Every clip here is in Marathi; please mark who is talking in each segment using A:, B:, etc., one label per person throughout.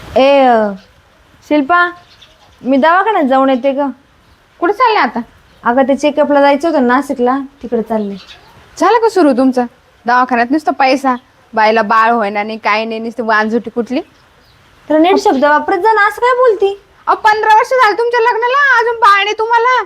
A: शिल्पा, मी दवाखान्यात जाऊन येते ग.
B: कुठे चालले आता?
A: अगं ते चेकअपला जायचं होतं नाशिकला, तिकडे चालले.
B: झालं का सुरू तुमचं? दवाखान्यात नुसतं पैसा, बायला बाळ होईना नाही काय नाही, नुसतं वांजुटी कुठली.
A: तर नीट शब्द वापरत जा ना, असं काय बोलती?
B: 15 वर्ष झाले तुमच्या लग्नाला, अजून बाळ नाही तुम्हाला.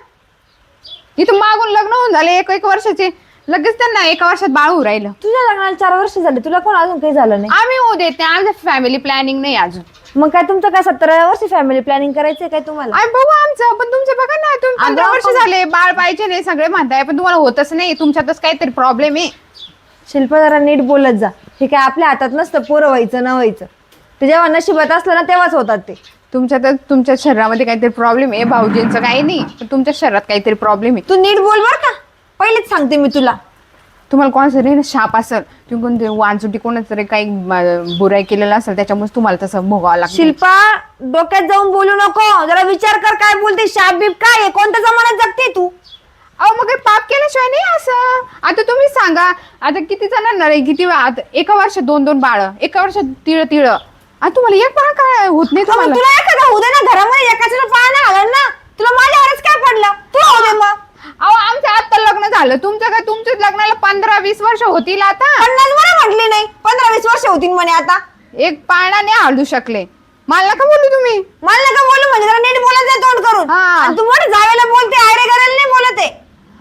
B: इथं मागून लग्न होऊन झाले एक वर्षाचे, लगेच त्यांना 1 वर्षात बाळ होऊ राहिलं.
A: तुझ्या लग्नाला 4 वर्ष झाले, तुला कोण अजून काही झालं नाही?
B: आम्ही होऊ देत नाही, आमचं फॅमिली प्लॅनिंग नाही अजून.
A: मग काय तुमचं काय 17 वर्षी फॅमिली प्लॅनिंग करायचंय काय तुम्हाला?
B: आम्ही बघू आमचं, पण तुमचं बघा ना, तुम्ही 15 वर्ष झाले बाळ पाहिजे नाही सगळे म्हणताय, पण तुम्हाला होतच नाही. तुमच्यातच काहीतरी प्रॉब्लेम आहे.
A: शिल्पा, जरा नीट बोलत जा. हे काय आपल्या हातात नसतं पोरं व्हायचं ना व्हायचं. ते जेव्हा नशिबात असलं ना तेव्हाच होतात ते.
B: तुमच्यातच तुमच्या शरीरामध्ये काहीतरी प्रॉब्लेम आहे. भाऊजींचं काही नाही, पण तुमच्या शरीरात काहीतरी प्रॉब्लेम आहे.
A: तू नीट बोल बर का, पहिलेच सांगते मी तुला.
B: तुम्हाला कोणाचं तरी शाप असेल, तुम्ही कोणते वांजुटी कोणाच तरी काही बुराई केलेला असेल, त्याच्यामुळे तुम्हाला तसं भोगावं लागतं.
A: शिल्पा, डोक्यात जाऊन बोलू नको. जरा विचार कर, काय बोलते. शाप बीप काय आहे? कोणत्या जमान्यात जगते तू?
B: अहो मग पाप केल्याशिवाय नाही असं. आता तुम्ही सांगा, आता किती जणांना रे, किती आता 1 वर्षात 2-2 बाळ, 1 वर्षात तिळ. आता तुम्हाला एक बाळ काय होत नाही तुम्हाला?
A: तुला एखादा होऊ दे ना, घरामध्ये एकाचं पाय नाही हलत ना. तुला माझ्यावरच काय पडलं? तू होऊ दे मग.
B: अहो आमचं आता लग्न झालं, तुमचं काय? तुमच्या लग्नाला 15-20 वर्ष होतील आता.
A: 50 मला म्हटली नाही, 15-20 वर्ष होतील म्हणे आता.
B: एक पाळणा नाही हलू शकले. मला नका बोलू तुम्ही.
A: मला नका बोलू म्हणजे जरा नीट बोलत जा तोंड करून.
B: हा.
A: आणि तू मोठे जावेला बोलते, आयरे करायला नाही बोलत आहे.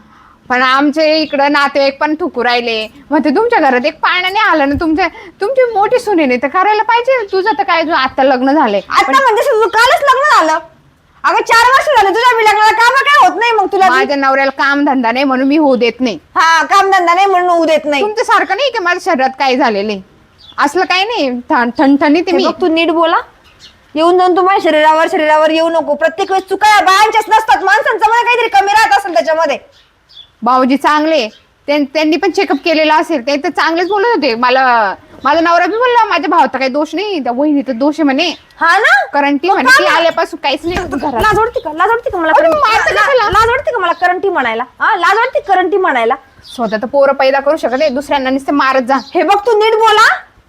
B: पण आमचे इकडं नातेवाईक पण ठुकू राहिले. मग ते तुमच्या घरात एक पाळणा नाही आलं ना, तुमची मोठी सुनेने तर करायला पाहिजे. तुझं तर काय, आता लग्न झालंय.
A: आता म्हणजे तुझं कालच लग्न झालं. अगं 4 वर्ष झाले तुझ्या मी लग्नाला, काम काय होत नाही मग तुला?
B: माझ्या नवऱ्याला काम धंदा नाही म्हणून मी होऊ देत नाही.
A: हा, काम धंदा नाही म्हणून होऊ देत नाही.
B: तुमच्या सारखं नाही की माझ्या शरीरात काय झालेलं आहे, असलं काही नाही. ठणठणीत
A: हे
B: मी.
A: बघ, तू नीट बोला. येऊन जाऊन तुम्हाला शरीरावर येऊ नको. प्रत्येक वेळेस चुका बायांच्याच नसतात, माणसांचं मध्ये काहीतरी कमी राहत असेल त्याच्यामध्ये.
B: भाऊजी चांगले, त्यांनी पण चेकअप केलेला असेल, ते तर चांगलेच बोलत होते मला. माझा नवरा बी बोलला माझ्या भावाचा काही दोष नाही, त्या वहिनीचा दोष आहे म्हणे.
A: हा ना,
B: करंटी
A: मग
B: म्हणे,
A: का
B: ती
A: ना?
B: आल्यापासून काहीच नाही होत घरात.
A: लाज वाटते का? लाज वाटते का मला?
B: अरे मारतं कशाला?
A: लाज वाटते का मला करंटी म्हणायला? हा, लाज वाटते करंटी म्हणायला?
B: स्वतः तर पोरं पैदा करू शकत नाही, दुसऱ्यांना नुसते मारत जा.
A: हे बघ, तू नीट बोला.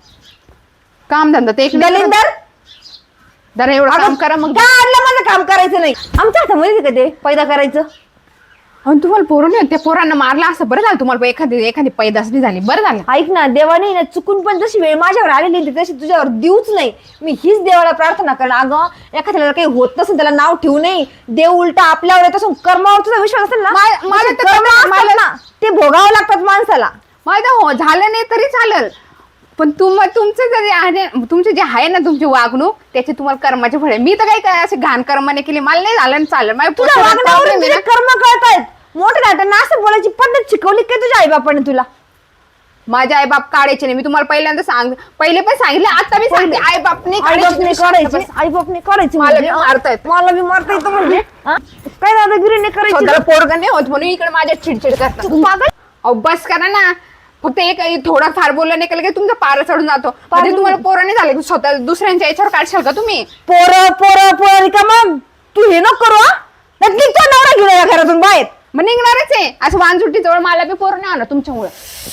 B: काम धंदा ते एक
A: दलिंदर,
B: जरा एवढं काम करा मग.
A: काय आणलं माझं काम करायचं नाही? आमच्या हातामध्ये का ते पैदा करायचं?
B: आणि तुम्हाला पोरं नाही, त्या पोरांना मारला असं बरं झालं. तुम्हाला एखादी पैदास नाही झाली, बरं झालं.
A: ऐक ना, देवाने ना चुकून पण जशी वेळ माझ्यावर आलेली होती तशी तुझ्यावर देऊच नाही. मी हीच देवाला प्रार्थना करणार. अगं एखाद्याला काही होत नसेल त्याला नाव ठेवू नये. देव उलटा आपल्यावर येत असून कर्मावर तुझा विश्वास असेल ना,
B: मला तर
A: कर्म असतात ना, ते भोगावं लागतात माणसाला.
B: माझं झालं नाही तरी चालेल, पण तुमचं जे आहे, तुमचे जे आहे ना तुमची वागणूक, त्याचे तुम्हाला कर्माचे फळ आहे. मी तर काही असे घाण कर्माने केली, मला नाही झालं ना चालेल.
A: तुझ्या वागण्यावरून तुझे कर्म कळतायत. मोठे दाटांना असं बोलायची पद्धत शिकवली काय तुझ्या आई बापाने तुला?
B: माझे आई बाप काढायचे नाही. मी तुम्हाला पहिल्यांदा पहिले पण सांगितलं, आता मी सांगते, आई बापने
A: काढायची. आई बापने काढायची
B: मला
A: म्हणजे?
B: बी मारतायत.
A: मला बी मारता येतं म्हणजे? हा? काय दादागिरीने करायची?
B: स्वतःला पोरगं नाही होत म्हणून इकडे माझ्या चिडचिड करतात.
A: पागल.
B: अहो बस करा ना, फक्त एक थोडा फार बोललं नाही केलं की तुमचा पारा चढून जातो. म्हणजे तुम्हाला पोरं नाही झाले, स्वतः दुसऱ्यांच्या याच्यावर काढशाल का तुम्ही?
A: पोरं का मग तू हे नको करू. निघतो नवरा घेऊन या घरातून बाहेर.
B: मग निघणारच आहे. असं वांजुटी जवळ मला बी पोरं नाही आलं तुमच्यामुळे.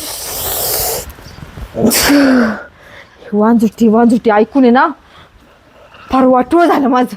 A: वांजुटी ऐकून आहे ना फार वाटूळ झालं माझं.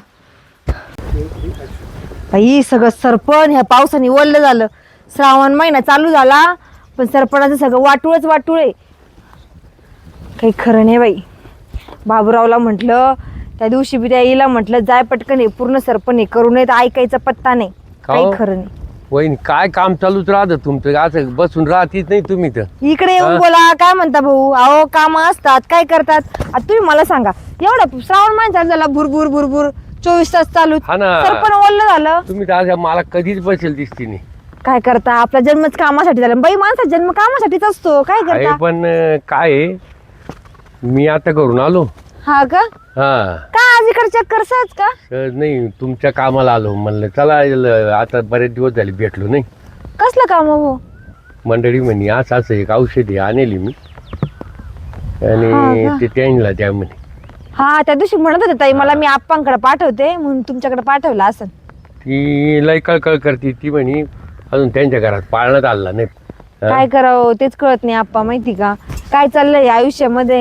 A: बाई, सगळं सरपण ह्या पावसाने ओललं झालं. श्रावण महिना चालू झाला पण सरपणाचं सगळं वाटूळ आहे. काही खरं नाही बाई. बाबूरावला म्हटलं त्या दिवशी बी त्या आईला म्हटलं, जाय पटकन हे पूर्ण सरपण हे करू नये, तर ऐकायचा पत्ता नाही. काही खरं नाही.
C: वहिनी, काय काम चालूच राहतं तुमचं, असं बसून राहतीच नाही तुम्ही तर.
A: इकडे येऊन बोला. काय म्हणता भाऊ? अहो काम असतात, काय करतात? आता तुम्ही मला सांगा, एवढा श्रावण महिना चालू झाला, भुरभुर 24 तास चालू,
C: हा ना.
A: सरपण ओललं झालं.
C: तुम्ही तर असं मला कधीच बसेल दिसती नाही.
A: काय करता? आपला जन्मच कामासाठी झाला. बाई, माणसाचा जन्म कामासाठीच असतो. काय
C: आहे
A: करता?
C: पण काय आहे, मी आता करून आलो.
A: हा का?
C: हा,
A: का आज इकडे चक्कर सहज का?
C: सहज नाही, तुमच्या कामाला आलो. म्हणलं चला, आता बरेच दिवस झाले भेटलो नाही.
A: कसलं काम हो?
C: मंडळी म्हणे असं एक औषधी आणली मी, आणि
A: हा
C: ते त्यांना द्या म्हणे.
A: हा, त्या दिवशी म्हणत होते ताई मला, मी आप्पांकडे पाठवते म्हणून तुमच्याकडे पाठवलं असं.
C: ती लय कळकळ करते. ती म्हणे अजून त्यांच्या घरात पाळण्यात आला नाही.
A: काय करावं तेच कळत नाही आप्पा, माहिती का? काय चाललंय आयुष्यामध्ये?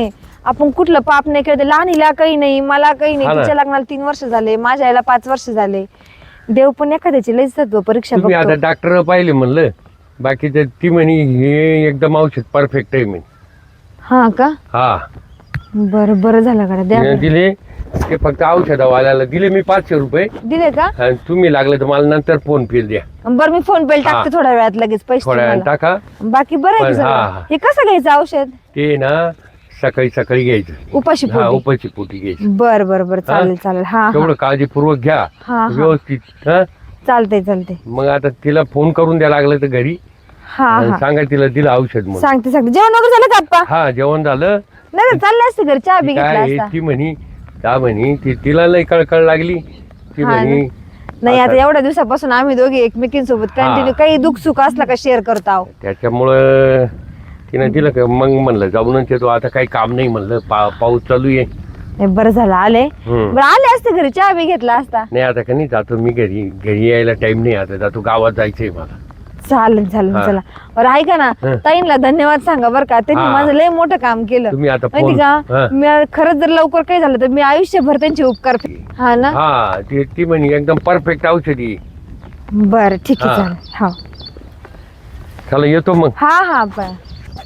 A: आपण कुठलं पाप नाही केलं, लहानीला काही नाही, मला काही नाही.
C: हा ना.
A: तिच्या लग्नाला 3 वर्ष झाले, माझ्या आईला 5 वर्ष झाले. देव पण एखाद्याची लई सत्व परीक्षा
C: तुम्ही आता
A: बघतो.
C: डॉक्टर पाहिले म्हणलं, बाकीचं ती म्हणे हे एकदम औषध परफेक्ट आहे म्हणे.
A: हा का?
C: हा
A: बरं बरं झालं का द्या
C: तिने दिले ते, फक्त औषधावाल्याला दिले मी 500 रुपये.
A: दिले का?
C: आणि तुम्ही लागले तर मला नंतर फोन पे द्या,
A: बरं मी फोन पे टाकते थोड्या वेळात, लगेच पैसे
C: थोड्या वेळाने
A: तुम्हाला.
C: टाका.
A: बाकी बरं आहे की
C: पण
A: सगळं?
C: हा.
A: हे कसं घ्यायचं औषध?
C: ते ना सकाळी सकाळी घ्यायचं.
A: उपाशी
C: हा
A: पोटी?
C: उपाशी पोटी घ्यायचं.
A: बर बर बर, चालेल चालेल. हा
C: तेवढं
A: हा
C: काळजीपूर्वक घ्या,
A: हा.
C: व्यवस्थित. हा
A: चालतंय चालतंय.
C: मग आता तिला फोन करून द्या लागलं तर घरी,
A: हा
C: आणि
A: हा
C: सांगा तिला दिलं औषध म्हणून.
A: सांगते सांगते. जेवण वगैरे झालं का आप्पा?
C: हा जेवण झालं.
A: नाही तर चालले असते घरी, चहा बी
C: ती
A: घेतला
C: काय
A: असता.
C: ती म्हणी त्या म्हणी तिला लई कळकळ लागली. ती
A: हा
C: म्हणी
A: नाही आता एवढ्या दिवसापासून आम्ही दोघे एकमेकींसोबत कंटिन्यू काही दुःख सुख असलं का शेअर करत आहो.
C: त्याच्यामुळं तिनं दिलं का. मग म्हणलं जाऊनच येतो, आता काही काम नाही म्हणलं, पाऊस चालू आहे.
A: नाही, बरं झालं आले.
C: हम्म.
A: बरं आले असते घरी, चहा बी घेतला असता.
C: नाही आता का नाही जातो मी घरी यायला टाइम नाही, आता जातो, गावात जायचंय मला.
A: चालेल चालेल.
C: हा.
A: चला बरं ऐका ना,
C: हा.
A: ताईंना धन्यवाद सांगा बरं का, त्यांनी
C: हा.
A: माझं लय मोठं काम केलं.
C: तुम्ही आता
A: माहिती
C: फोन.
A: का,
C: हा.
A: मी खरंच जर लवकर काही झालं तर मी आयुष्यभर त्यांचे उपकार हा ना.
C: हा ती म्हणे एकदम परफेक्ट औषधी.
A: बरं ठीक आहे
C: हा.
A: चालेल. हा
C: चला येतो मग.
A: हा हा बरं.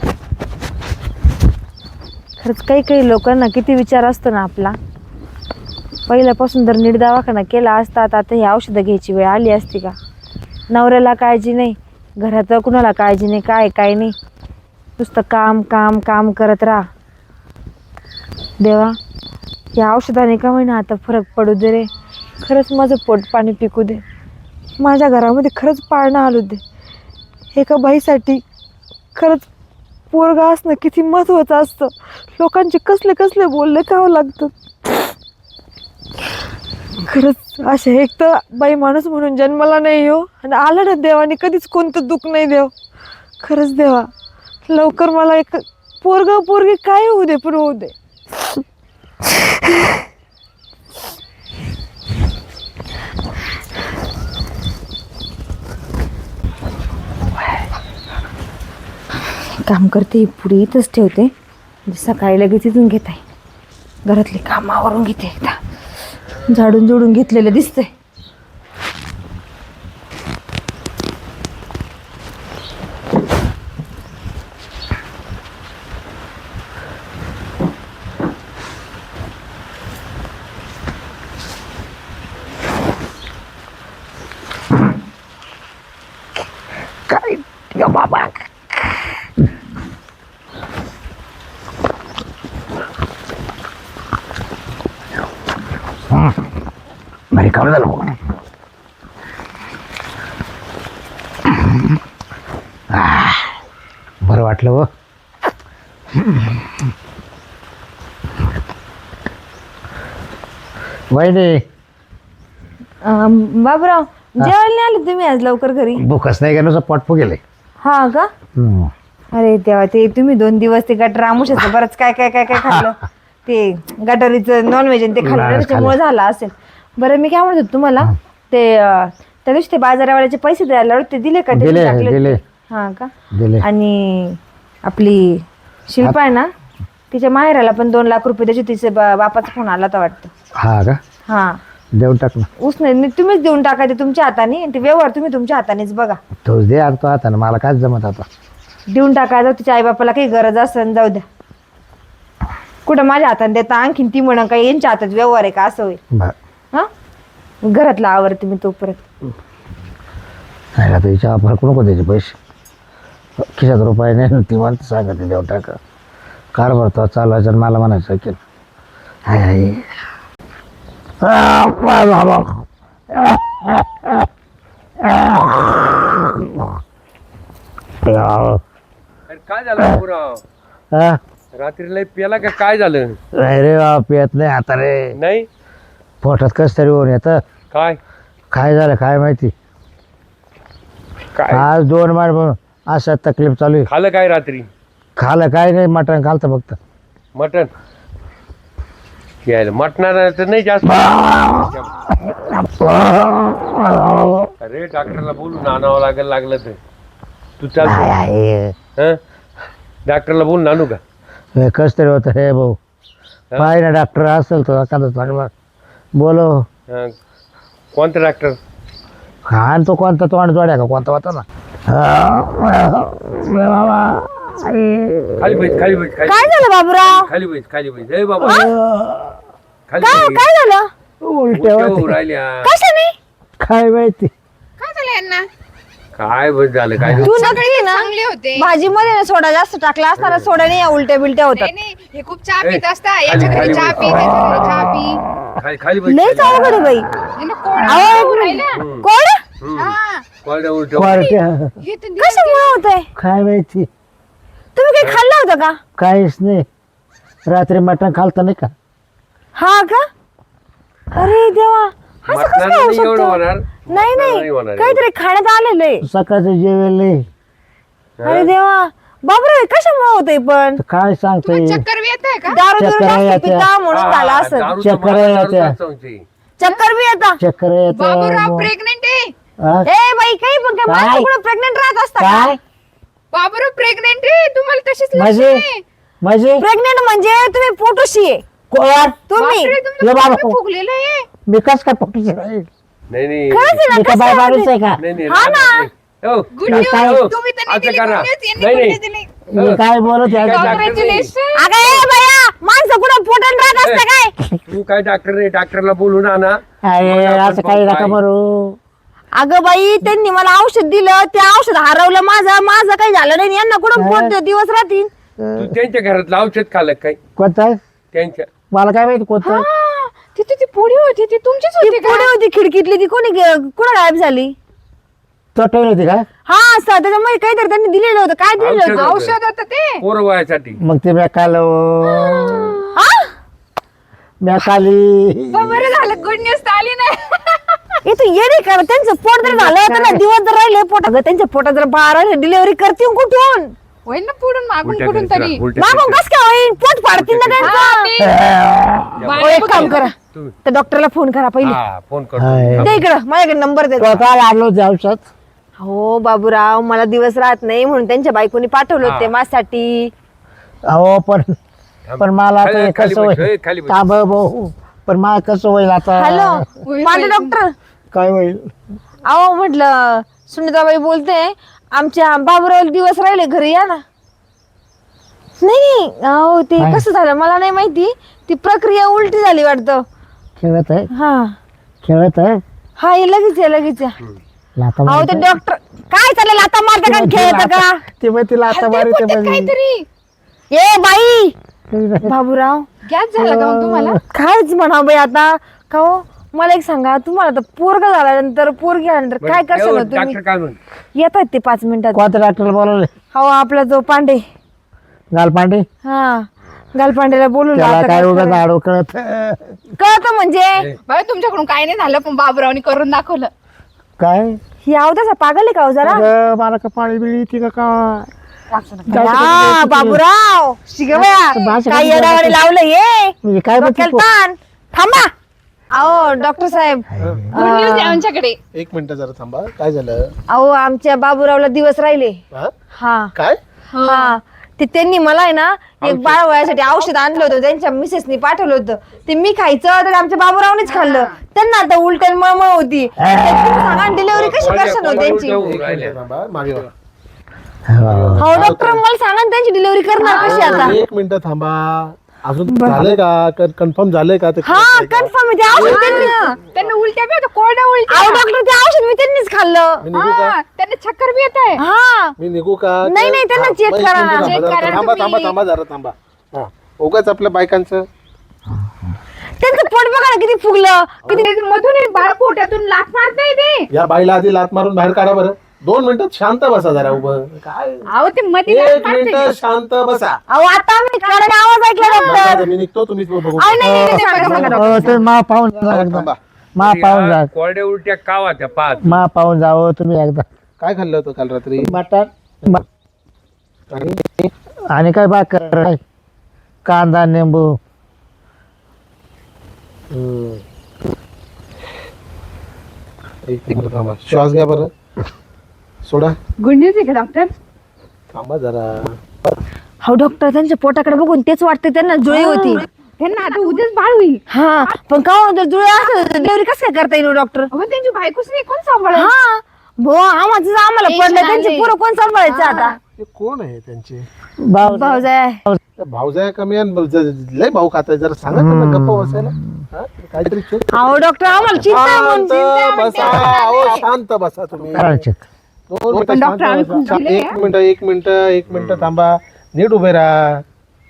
A: खरंच काही काही लोकांना किती विचार असतो ना आपला. पहिल्यापासून जर नीट दवाखाना केला असता तर आता ही औषधं घ्यायची वेळ आली असती का? नवऱ्याला काळजी नाही, घरात कुणाला काळजी नाही, काय नाही, नुसतं काम काम काम करत राहा. देवा या औषधाने का होईना आता फरक पडू दे रे. खरंच माझं पोट पाणी पिकू दे, माझ्या घरामध्ये खरंच पाळणं आलू दे. एका बाईसाठी खरंच पोरगा असणं किती महत्वाचं असतं. लोकांचे कसले कसले बोलले खावं लागतं. खरंच अशा एक तर बाई माणूस म्हणून जन्माला नाही हो, आणि आलं ना देवाने कधीच कोणतं दुःख नाही देव. खरंच देवा लवकर मला एक पोरगी काय होऊ दे, पण होऊ दे. काम करते पुढे इथंच ठेवते, म्हणजे सकाळी लगेच इथून घेत आहे. घरातले कामावरून घेते, एकदा झाडून जोडून घेतलेलं दिसतंय.
C: काय बाबा
D: भारी काम झालं बघ. बरं वाटलं व. वहिनी
A: बाबराव जेवायला नाही आले तुम्ही आज लवकर घरी?
D: भूकच नाही का, नुसतं पोट गेले.
A: हा का? अरे तेव्हा ते तुम्ही 2 दिवस ते गटर आमुशाचं बरंच काय काय काय काय खाल्लं. ते गटारीचं नॉनव्हेज ते खाल्लं ना, त्याच्यामुळे झालं असेल. बरं मी काय म्हणत होते तुम्हाला, ते त्या दिवशी ते बाजारावाल्याचे पैसे द्यायला होते, ते दिले का? ते
D: दिले
A: टाकले?
D: दिले
A: हा का?
D: दिले.
A: आणि आपली शिल्पा आहे ना, तिच्या माहेराला पण 2 लाख रुपये त्याची तिचे बापाचा फोन आला होता वाटतं.
D: हा का?
A: हा
D: देऊन टाक ना.
A: उसने तुम्हीच देऊन टाकायचे तुमच्या हाताने, ते व्यवहार तुम्ही तुमच्या हातानेच बघा.
D: तोच दे आता तो आता, मला काय जमत आता.
A: देऊन टाकायचं, तिच्या आईबापाला काही गरज असेल जाऊ द्या. कुठं माझ्या हाताने देता, आणखीन ती म्हणा काही यांच्या हातात व्यवहार आहे का असं होईल.
D: बरं
A: हा घरातला आवडते मी तोपर्यंत.
D: नाही आता हिच्या फरक नको द्यायचे पैसे, खिशात रुपये नाही, ती म्हणते सांगते देऊन टाका. कारभार तो चालवायचा आणि मला म्हणायचं की हाय हाय.
C: काय झालं पुराव?
D: हा?
C: रात्री लय पेला का काय झालं?
D: नाही रे बाबा, पियत नाही आता रे.
C: नाही
D: पोटात कस तरी होऊन येतं. काय झालं काय माहिती.
C: काय
D: आज 2 महिने म्हणून अशा तकलीफ चालू आहे.
C: खाल्लं काय रात्री?
D: खालं काय नाही, मटण खालतं फक्त.
C: मटन यायला मटणाला तर नाही जास्त. अरे डॉक्टरला बोलून आणावं लागलं तर तू चाल.
D: आहे
C: हं? डॉक्टरला बोलून आणू का?
D: कस तरी होतं हे भाऊ. पाय ना डॉक्टर असेल तर एखादा चांगला बोलो.
C: हा. कोणता डॉक्टर?
D: खान तो कोणता तोंड जोड्या का कोणता होता ना. बाबा
C: खाली बैठ खाली बैठ खाली
A: काय झालं बाबूराव?
C: खाली बैठ खाली बैठ. ए बाबा खाली
A: काय
C: बैठ.
A: काय झालं?
D: उलट्या
C: उलट्या
D: होते.
C: होऊ राहिल्या.
A: कशाने?
D: काय माहिती.
B: काय झालं यांना?
C: काय बस झालं काय
A: तू नक्की ना
B: चांगले होते.
A: भाजी मध्ये सोडा जास्त टाकला असताना सोड्याने या उलट्या बिलट्या होतात.
B: नाही नाही, हे खूप चहा
C: ए,
B: पित असता.
C: खाली-
B: याच्या घरी
C: खाली
B: चहा
C: बस.
B: पी, त्याच्या घरी चहा पी.
C: खाली खाली बैठ.
A: लयच अवघड आहे बाई.
B: यांना कोण
A: अहो, एक
B: होऊ
A: मिनिट.
B: राहिलं?
A: कोण?
B: हा.
C: कोरड्या उलट्या.
D: कोरट्या
B: हे तर दिवस-
A: कशामुळे होतंय?
D: काय माहिती.
A: तुम्ही काही खाल्लं होतं का?
D: काहीच नाही. रात्री मटण खालतं नाही का.
A: हा का? अरे देवा, असं कसं
C: मटणानं
A: काय होऊ
C: नाही एवढं
A: शकतं?
C: होणार.
A: नाही
C: मटणानं
A: नाही
C: होणार.
A: काहीतरी खाण्यात आलेलं आहे.
D: सकाळचं जेवेल नाही.
A: अरे देवा, बापरे कशामुळे होतंय पण?
D: तर काय सांगता
B: तुम्हाला
D: येईल.
B: चक्कर बी येत आहे का?
A: दारू बिरू
D: चक्कर
A: जास्त
D: येत्या.
A: पिता म्हणून झाला
C: हा,
A: असं.
C: दारू तर
D: चक्कर
C: मला
D: येत्या.
C: दारूच असते.
A: चक्कर बी येता.
D: चक्कर
B: बाबूराव
D: येत.
B: प्रेग्नेंट आहे.
A: ए बाई, काही पण काय
D: काय?
A: माणसं कुठं प्रेग्नेंट राहत असता
D: काय
A: का?
B: बाबूराव प्रेग्नेंट आहे. तुम्हाला तशीच
D: म्हणजे
B: लक्षण
D: म्हणजे
A: प्रेग्नेंट म्हणजे तुम्ही पोटोशी आहे
D: कोण
A: तुम्ही.
D: ये
B: तुमचं
D: बाबा.
B: पोट फुगलेलं आहे.
D: मी कस काय पकडू राहील.
C: नाही नाही
A: खरंच आहे ना,
D: मी काय
A: कसं
D: बाय
A: आहे
D: माणूस
A: ते?
D: आहे का.
C: नाही नाही
A: हा ना.
C: नाही. हो.
B: गुड
D: मी
B: न्यूज.
D: काय-
B: तुम्ही तर नाही
C: असं
B: दिली
C: करा.
B: good news, यांनी
C: नाही,
B: good
C: नाही.
B: news दिली.
D: मी काय बोलत आहे.
C: काय-
B: Congratulations.
A: अगं ए बया, माणसं कुठं पोटात राहत असतं काय?
C: तू काय डॉक्टर नाही, डॉक्टरला बोलून आणा.
D: अरे
C: मग आपण
D: असं काही
C: पाहू
D: नका
C: काय.
D: बरू.
A: अगं बाई, त्यांनी मला औषध दिलं, ते औषध हरवलं माझं काही झालं नाही. यांना कुठं पोट दिवस राहतील?
C: तू त्यांच्या घरातलं औषध खाल्लं काय?
D: कोणतं
C: त्यांच्या
D: मला काय माहिती कोणतं.
B: हा, तिथे ती पोळी होती ती तुमचीच
A: ती
B: होती का?
A: पुढे होती खिडकीतली, ती कुठं गायब झाली?
D: तो ठेवली होती का.
A: हा असं त्याच्यामध्ये काहीतरी त्यांनी दिलेलं होतं. काय दिलेलं
C: औषध
A: होतं?
C: होतं.
B: औषध होतं ते.
C: पोरं वयासाठी.
D: मग ते मी काल
A: हा?
D: मी खाली.
B: बरं झालं गुड न्यूज आली नाही.
A: हे तू येणे का? त्यांचं पोट जर झालं होतं ना, दिवस जर राहिले पोट, अगं त्यांच्या पोटात जर बारा डिलिव्हरी करतील कुठून?
B: होईल ना पुढून मागून
C: उलट्या
B: कुठून
C: करतील,
B: तरी.
C: उलट्या
A: मागून
C: करतील.
A: कस काय होईल? पोट फाडतील ना
B: हा,
A: त्यांचं.
B: ते-
A: ओ, एक काम करा,
C: तुम्ही-
A: त्या डॉक्टरला फोन करा पहिले.
C: हा, फोन
D: हाय.
C: करतो.
A: दे इकडं, माझ्याकडे नंबर दे.
D: तो काल आणलं होते औषध.
A: हो बाबूराव, मला दिवस राहत नाही म्हणून त्यांच्या बायकोनी पाठवलं
C: हा.
A: होते माझ्यासाठी.
D: अहो पण मला आता हे
C: खाली
D: कसं
C: बस,
D: होईल.
C: खाली बस.
D: थांब भाऊ. पण मला कसं होईल आता.
A: हॅलो
B: होईल,
A: माझे
B: होईल.
A: डॉक्टर.
D: काय होईल.
A: अहो म्हटलं, सुनीताबाई बोलते, आमच्या बाबूराव दिवस राहिले, घरी या ना. नाही अहो, ते
D: काय?
A: कसं झालं मला नाही माहिती. ती प्रक्रिया उलटी झाली वाटतं.
D: खेळत आहे
A: हा
D: खेळत आहे.
A: हा, हे लगेच या लगेच या.
D: लाथा
A: अहो ते
D: मारते.
A: डॉक्टर काय चालेल आता मारता का खेळत का?
D: ते मग तिला आता
B: हलते
D: मारते
B: पोटात काहीतरी
A: ए बाई बाबूराव,
B: गॅस झाला का मग तुम्हाला?
A: कायच म्हणा बाई आता. का हो, मला एक सांगा, तुम्हाला तर पोरगा झाल्यानंतर पोरगी आल्यानंतर काय करशाल हो तुम्ही?
C: डॉक्टर काय म्हण?
A: येतात ते 5 मिनिटात.
D: कोणत्या डॉक्टरला बोलवले.
A: हो, आपला जो पांडे.
D: गालपांडे.
A: हा, गालपांडेला बोलून
D: त्याला काय उगाच आडो कळत.
A: कळत म्हणजे
B: बाई तुमच्याकडून काय नाही झालं पण बाबूरावनी करून दाखवलं.
D: काय
A: ही अवतासा पागल आहे का हो जरा?
D: अगं, मला का पाणी बिळी येते का काय.
A: हा, बाबूराव शिगवया
D: भाषा
A: काय
D: कधी
A: येडावाने लावलं हे
D: म्हणजे काय म्हणते
A: डोक्याला
D: तू?
A: ताण. थांबा. अहो डॉक्टर साहेब,
B: गुड न्यूज आहे आमच्याकडे.
E: एक मिनिट जरा थांबा. काय झालं.
A: अहो आमच्या बाबूरावला दिवस राहिले.
E: हा?
A: हा
E: काय
A: हा, ते त्यांनी मला आहे ना एक बाळ वयासाठी औषध आणलं होतं, त्यांच्या मिसेसनी पाठवलं होतं. ते मी खायचं तर आमच्या बाबूरावनेच खाल्लं. त्यांना आता उलट्या मळमळ होती. सांगा डिलिव्हरी कशी करणार हो त्यांची?
E: थांबा मागे वळा.
A: हो डॉक्टर, मला सांगा ना त्यांची डिलिव्हरी करणार कशी आता?
E: एक मिनिट थांबा. अजून झालंय का कन्फर्म झालंय का ते
A: हा कन्फर्म आहे, ते औषध त्यांनी.
B: त्यांना उलट्या बी होत्या, कोरड्या उलट्या.
A: अहो डॉक्टर, ते औषध मी त्यांनीच खाल्लं.
E: मी निघू का
B: हा, त्यांना चक्कर बी येत आहे.
A: हा
E: मी निघू का
A: नाही, नाही, त्यांना
E: हा,
A: check
E: मग एक
A: करा
E: मिनिट
A: ना.
E: थांबा,
B: check
E: जरा
B: करा
E: थांबा
B: तुम्ही.
E: थांबा थांबा जरा थांबा. हा उगाच आपल्या बायकांचं
A: त्यांचं पोट बघा ना किती फुगलं.
B: किती मधून बाळ पोटातून लाथ मारता येते.
E: या बाईला आधी लात मारून बाहेर काढा बरं. 2 मिनिटात शांत बसा जरा उभं. काय
B: अहो ते मध्ये लाथ
E: 1
B: मारते.
E: मिनिट शांत बसा.
A: अहो आता मी कारण आवाज ऐकला डॉक्टर.
E: आता मी निघतो तुम्ही बघू.
A: अहो, नाही, नाही, नाही, सांगा, सांगा, डॉक्टर.
D: हो, तुम्ही मा पाहून जा एकदा.
E: थांबा.
D: मा पाहून जा.
C: कोरड्या उलट्या का वाट्या पाच?
D: मा पाहून जावं तुम्ही एकदा.
E: काय खाल्लं होतं काल रात्री.
D: मटण
E: आणि
D: आणि काय भाकर काय कांदा निंबू.
E: एक मिनिट थांबा. श्वास घ्या बरं. सोडा.
B: गुड न्यूज आहे का डॉक्टर?
E: थांबा जरा.
A: हो डॉक्टर, त्यांच्या पोटाकडे बघून तेच वाटतं त्यांना जुळी होती.
B: त्यांना आता उद्याच बाळ होईल.
A: हा पण का जुळे असं डिलिव्हरी कसं काय करता येईल डॉक्टर?
B: अहो, त्यांची बायकोच नाही, कोण सांभाळेल?
A: हा आम्हाला
B: टेन्शन
A: पडलं त्यांची
B: आलंय.
A: पुरं कोण सांभाळायचं आता?
E: ते कोण आहे त्यांचे
A: भाऊजाय
E: भाऊजाया कमी आणि लय भाऊ खाताय, जरा सांगा त्यांना गप्प बसायला. हा? काहीतरी check.
A: अहो डॉक्टर आम्हाला चिंता आहे म्हणून.
E: शांत बसा, अहो, शांत बसा तुम्ही.
D: करायचे
E: 2 मिनिटं
B: पण डॉक्टर, आम्ही
E: शांत
B: खूप
E: बसा.
B: दिलंय,
E: एक मिनिट थांबा, नीट उभे राहा.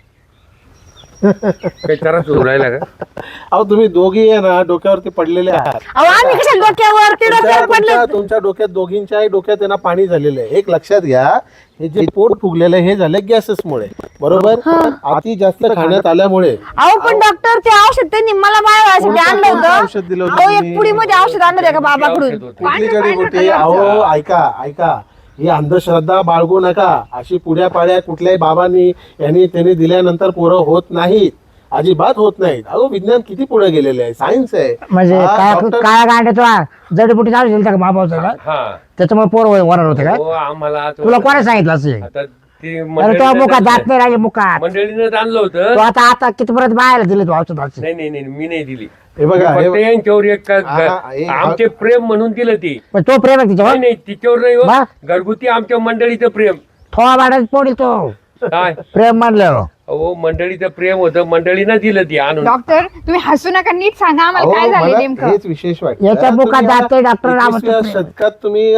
C: काही त्रास होऊ राहिला का?
E: अहो तुम्ही दोघी आहे ना डोक्यावरती पडलेले आहात.
A: अहो आम्ही कशा डोक्यावरती डोक्यावर पडले?
E: तुमच्या डोक्यात दोघींच्याही डोक्यात आहे ना पाणी झालेलं आहे. एक लक्षात घ्या, हे जे पोट फुगलेलं आहे हे झालं गॅसेसमुळे, बरोबर? अति जास्त खाण्यात आल्यामुळे.
A: अहो पण डॉक्टर ते औषध त्यांनी मला बाळासाठी आणलं
E: कोणतं औषध दिलं
A: होतं.
E: होतं
A: अहो
E: तुम्ही?
A: एक पुडीमध्ये औषध आणलं होतं का बाबाकडून?
E: कुठली जडीबुटी? अहो ऐका, ही अंधश्रद्धा बाळगू नका. अशी पुड्या पाड्या कुठल्याही बाबांनी त्यांनी दिल्यानंतर पोरं होत नाहीत, अजिबात होत नाहीत. अहो विज्ञान किती पुढे गेलेले आहे, सायन्स आहे.
D: म्हणजे
E: हा,
D: काय
E: डॉक्टर-
D: काय गांडे तुला जडीबुटी चालू दिली का बाबाचं का?
C: हा
D: त्याच्यामुळे पोर वरार होते का?
C: हो, आम्हाला आता-
D: तुला कोणा सांगितलं असं?
C: आता ते
D: अरे तो
C: मंडळीनं
D: मुखात
C: आणलं-
D: जात नाही राहिले मुखात.
C: मंडळीनं आणलं
D: तो
C: होतं.
D: आता कितीपर्यंत बाहेर दिले तू औषधाचे?
C: नाही मी नाही दिली.
E: हे बघा,
C: फक्त
E: हे-
C: यांच्यावर एक
E: हे-
C: आमचे प्रेम म्हणून दिलं ती.
D: पण तो प्रेम आहे तिच्यावर?
C: नाही तिच्यावर नाही हो.
D: मग?
C: घरगुती आमच्या मंडळीचं प्रेम.
D: थोडा बाळात पोडील तो
C: काय
D: प्रेम म्हणलं.
C: हो मंडळीचं प्रेम होतं, मंडळीनं दिलं ती आणून.
B: डॉक्टर तुम्ही हसू नका, नीट सांगा आम्हाला काय
E: अहो,
B: झालं
E: मला
B: नेमकं.
E: हेच विशेष वाटतं.
D: याच्या मुखात
E: तुम्ही
D: जाते डॉक्टर
E: या
D: रामचंद्र
E: 21व्या शतकात तुम्ही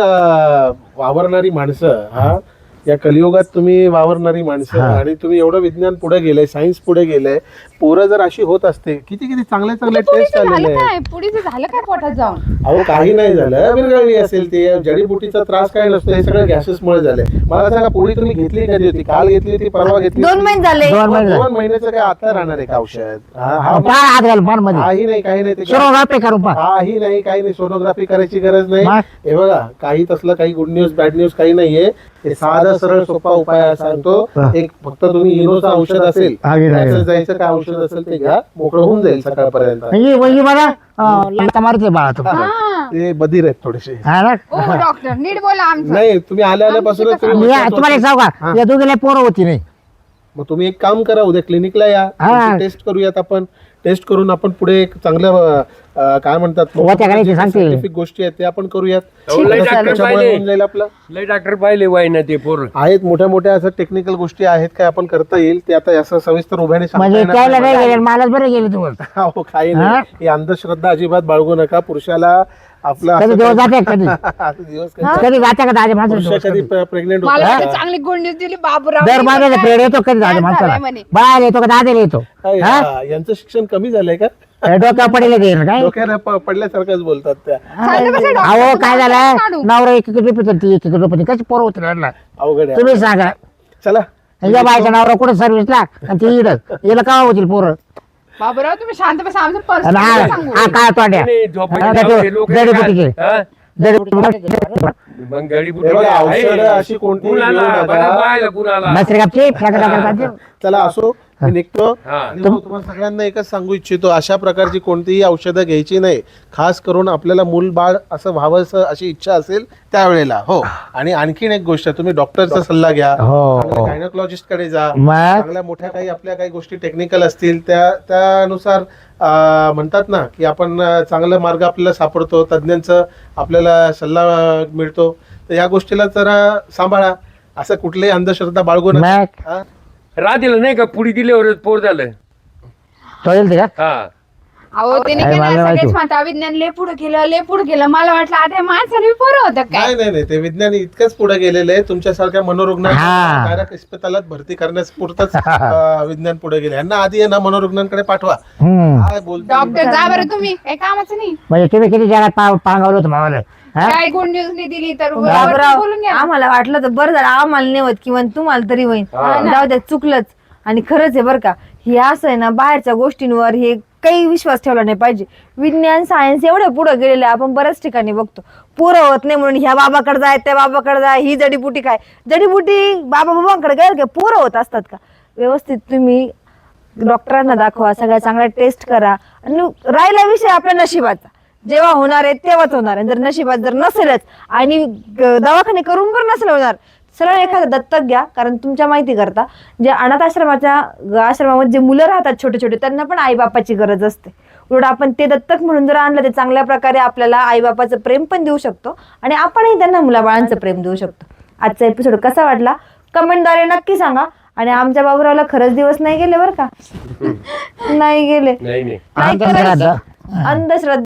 E: वावरणारी माणसं, हा या कलियुगात तुम्ही वावरणारी माणसं, आणि तुम्ही एवढं विज्ञान पुढे गेलंय, सायन्स पुढे गेलंय. पोरं जर अशी होत असते, किती चांगले चांगले टेस्ट
B: पुढीचं
E: आलेले
B: झालं
E: आहेत.
B: काय? पुढीचं झालं काय पोटात जाऊन?
E: अहो काही नाही झालं, विरघळली असेल ते. जडीबुटीचा त्रास काय नसतो, हे सगळं गॅसेसमुळे झालंय. मला सांगा, पोळी तुम्ही घेतली कधी होती? काल घेतली होती, परवा घेतली
A: 2
E: होती?
A: महिने झाले.
D: 2 महिने झाले.
E: 2 महिन्याचं काय आता राहणार आहे का औषध?
D: काय हात घाल पान मध्ये
E: काही नाही, काही नाही. ते
D: सोनोग्राफी करून पहा.
E: काही नाही, काही नाही. सोनोग्राफी करायची गरज नाही.
D: मग?
E: हे बघा, काही तसलं काही गुड न्यूज बॅड न्यूज काही नाहीये. हे साधा सरळ सोपा उपाय सांगतो. एक फक्त तुम्ही इनोचं औषध असेल, त्याचं जायचं काय औषध असेल ते घ्या, मोकळं होऊन जाईल सकाळपर्यंत.
D: म्हणजे मला लाथा मारते बाळा तुम्ही.
B: हा.
E: ते बधीर आहेत थोडेसे.
D: हा ना?
B: ओ डॉक्टर नीट बोला आमचं.
E: नाही, तुम्ही आल्यापासूनच
D: मी तुम्हाला एक सांगू का, या दोघीला पोरं होती नाही.
E: मग तुम्ही एक काम करा, उद्या क्लिनिकला या,
D: हा.
E: टेस्ट करूयात आपण. टेस्ट करून आपण पुढे एक चांगलं काय म्हणतात,
D: होत्या का नाही ते सांगते.
E: सायंटिफिक गोष्टी आहेत ते आपण करूयात.
C: अहो, लय डॉक्टर
E: त्याच्यामुळे
C: पाहिले.
E: होऊन जाईल आपलं.
C: लय डॉक्टर पाहिले वाय ना ते पोर.
E: आहेत मोठ्या मोठ्या असं टेक्निकल गोष्टी आहेत काय आपण करता येईल ते, आता असं सविस्तर उभ्याने सांगता
D: म्हणजे
E: येणार
D: त्याला
E: नाही.
D: नाही गेले मलाच बरे गेले तुम्हाला.
E: हो, काही नाही. ही अंधश्रद्धा अजिबात बाळगू नका. पुरुषाला आपला
D: कधी दिवस जाते कधी
E: असं दिवस कधी-
D: कधी जाते का दाजे
E: पुरुष
D: माणसं
E: कधी प्रेग्नेंट
B: मला
E: होतात
B: एवढी चांगली गुड न्यूज दिली बाबूराव.
D: दर महिन्याचा पेड येतो कधी दाजे
B: काय
D: माणसाला
B: झालंय म्हणे?
D: बाहेर येतो का दादेला येतो.
E: यांचं शिक्षण कमी झालंय का?
D: डोक्या पडेल गेलं काय.
E: डोक्याला पडल्यासारखंच बोलतात त्या.
B: चालतं कसं डॉक्टर?
D: अहो काय झालं
B: काढू.
D: नवरा एक रुपये ती 1 रुपये कशी पोरं होती रडला.
E: अवघड आहे.
D: तुम्ही सांगा
E: चला,
D: या बायचा नवरा कुठे सर्व्हिसला आणि ती इड याला का होतील पोरं.
B: बाबूराव तुम्ही शांत बसा, आमचं
D: आणि
B: पर्सनल सांगू.
D: हा काय तोड्या
C: नाही, झोपायचे
D: हा,
C: लावले लोक काय?
D: जडीबुटीचे.
C: हा?
D: जडीबुटी
C: मग जडीबुटी
E: हे बघा,
C: आहे.
E: औषधं अशी कोणतीही
C: कुणाला?
E: घेऊ नका.
C: बरं, बायला कुणाला?
D: नसरे कापचे
E: चला असो, मी निघतो.
C: हा.
E: आणि मग तुम्हाला सगळ्यांना एकच सांगू इच्छितो, अशा प्रकारची कोणतीही औषधं घ्यायची नाही. खास करून आपल्याला मूल बाळ असं व्हावं अशी इच्छा असेल त्यावेळेला. हो, आणि आणखीन एक गोष्ट, तुम्ही डॉक्टरचा सल्ला घ्या.
D: हो.
E: गायनोकॉलॉजिस्ट कडे जा.
D: मग
E: चांगल्या मोठ्या काही आपल्या काही गोष्टी टेक्निकल असतील त्यानुसार म्हणतात ना की आपण चांगला मार्ग आपल्याला सापडतो, तज्ज्ञांचं आपल्याला सल्ला मिळतो. तर या गोष्टीला जरा सांभाळा, असं कुठलीही अंधश्रद्धा बाळगू नका.
D: मग
E: हा?
C: राधीला नाही का पुढी दिल्यावर पोर झालं.
D: तो येईल ते का
C: हा
B: अहो त्याने
D: काय
B: केलं
D: मला माहिती.
B: सगळेच म्हणता विज्ञान लय पुढे गेलं. मला वाटलं आता माणसाने पोरं होतं काय.
E: नाही, ते विज्ञान इतकंच पुढे गेलेलं आहे. तुमच्यासारख्या मनोरुग्णांना
D: हा.
E: डायरेक्ट इस्पितळात भरती करण्यास पुरतच विज्ञान पुढे गेले. यांना आधी आहे ना मनोरुग्णांकडे पाठवा.
D: हम्म.
E: काय बोलतो
B: डॉक्टर जा बरं तुम्ही, काही कामाचं नाही.
D: म्हणजे तुम्ही किती जगात पांगवलं होतं मावाला. हा?
B: काय गुड न्यूज नाही दिली तर
A: बाबूराव
B: बोलून घ्या.
A: आम्हाला वाटलं तर बरं झालं, आम्हाला नाही होत किंवा तुम्हाला तरी होईल.
C: हा.
A: जाऊ द्या, चुकलंच. आणि खरंच आहे बरं का, हे असं आहे ना, बाहेरच्या गोष्टींवर हे काही विश्वास ठेवला नाही पाहिजे. विज्ञान सायन्स एवढं पुढे गेलेलं आहे, आपण बऱ्याच ठिकाणी बघतो. पुरं होत नाही म्हणून ह्या बाबाकडे जाय त्या बाबाकडे जाय, ही जडीबुटी काय जडीबुटी बाबाकडे गेलं का पुरं होत असतात का? व्यवस्थित तुम्ही डॉक्टरांना दाखवा, सगळ्या चांगल्या टेस्ट करा. आणि राहिला विषय आपल्या नशिबाचा, जेव्हा होणार आहे तेव्हाच होणार आहे. जर नशिबात जर नसेलच आणि दवाखाने करून पण नसेल होणार, सरळ एखादं दत्तक घ्या, कारण तुमच्या माहिती करता जे अनाथ आश्रमामध्ये जे मुलं राहतात छोटे छोटे, त्यांना पण आईबापाची गरज असते. उलट आपण ते दत्तक म्हणून जर आणलं ते चांगल्या प्रकारे आपल्याला आईबापाचं प्रेम पण देऊ शकतो आणि आपणही त्यांना मुलाबाळांचं प्रेम देऊ शकतो. आजचा एपिसोड कसा वाटला कमेंटद्वारे नक्की सांगा. आणि आमच्या बाबूरावला खरंच दिवस नाही गेले बरं का. नाही गेले.
C: नाही
A: नाही
D: अंधश्रद्धा.
A: अंधश्रद्धा